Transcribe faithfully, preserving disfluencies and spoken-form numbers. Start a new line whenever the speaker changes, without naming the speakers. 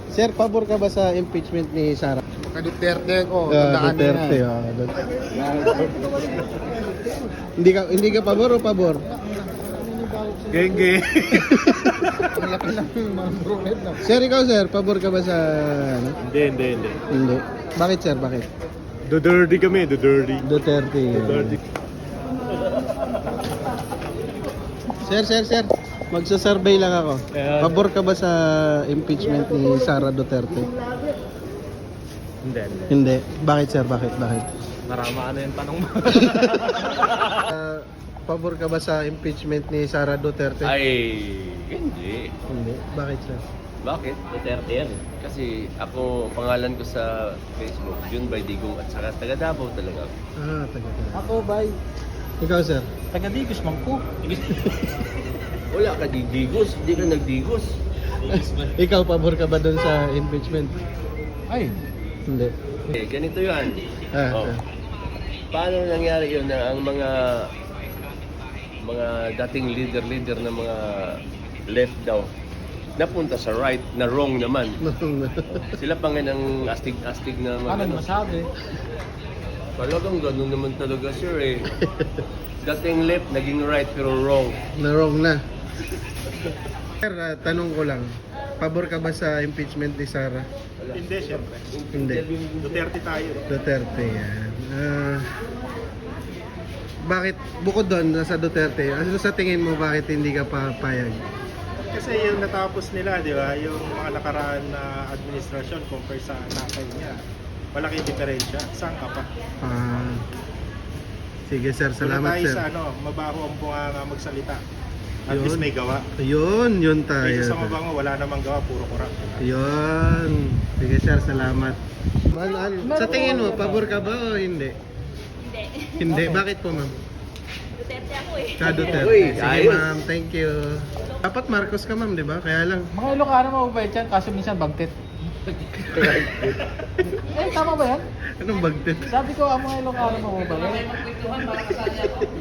Sir, pabor ka ba sa impeachment ni Sara?
Ka-Duterte ko,
Ah,
tandaan niyo
Duterte,
yan.
ah, Duterte. Hindi ka hindi ka pabor o pabor?
Genge.
Ang laki ng mga brunette na.
Sir, ikaw sir, pabor ka ba sa ano?
Hindi, hindi, hindi.
Hindi. Bakit sir? Bakit?
Duterte kami, Duterte.
Duterte.
Duterte.
Sir, sir, sir. Magsasurvey lang ako.
Ayan.
Pabor ka ba sa impeachment ni Sara Duterte?
Hindi, hindi.
Hindi. Bakit sir? Bakit? Bakit?
Narama na yung tanong mo.
Ah, pabor ka ba sa impeachment ni Sara Duterte?
Ay, hindi.
Hindi. Bakit sir?
Bakit? Duterte yan. Kasi ako, pangalan ko sa Facebook, Jun by Digong at saka taga Davao talaga.
Ah, taga taga.
Ako, bye.
Ikaw sir?
Taga-Digos, mangko.
Wala ka digos, hindi ka nagdigos.
Ikaw, pabor ka ba dun sa impeachment?
Ay,
Hindi.
Eh, ganito yan.
Ah,
Oh.
ah.
Paano nangyari yun na ang mga mga dating leader-leader ng mga left daw napunta sa right na wrong naman. Sila pa nga ng astig-astig na
ano
mga
yung masabi?
Talagang ganun naman talaga sir eh. Dating left, naging right pero wrong.
Na wrong na. Sir, ah, tanong ko lang. Pabor ka ba sa impeachment ni Sara?
Hindi, syempre.
Hindi.
Duterte tayo.
Duterte yan. Ah, bakit, bukod doon, nasa Duterte, ano sa tingin mo bakit hindi ka papayag?
Kasi yung natapos nila, di ba, yung mga nakaraan na administrasyon compare sa nakay niya, malaking diferensya. Saan ka pa?
Ah, sige sir, salamat
Wala tayo
sir.
sa ano, mabaho ang bunga magsalita. At
Yun.
least may gawa.
Yun, yun tayo.
Kaysa sa mabango, wala namang gawa, puro kurap.
Yun. Sige sir, salamat. Man, an- sa tingin mo, pabor ka ba o hindi?
Hindi.
Hindi. Bakit po ma'am?
Duterte ako eh.
Ka Duterte.
Uy,
Sige
ayos.
ma'am, thank you. Dapat Marcos ka ma'am, di ba? Kaya lang.
Mga Ilocano mababait yan, kaso minsan bagtit. Eh, tama ba yan?
Anong bagtit?
Sabi ko, ang mga Ilocano mababait.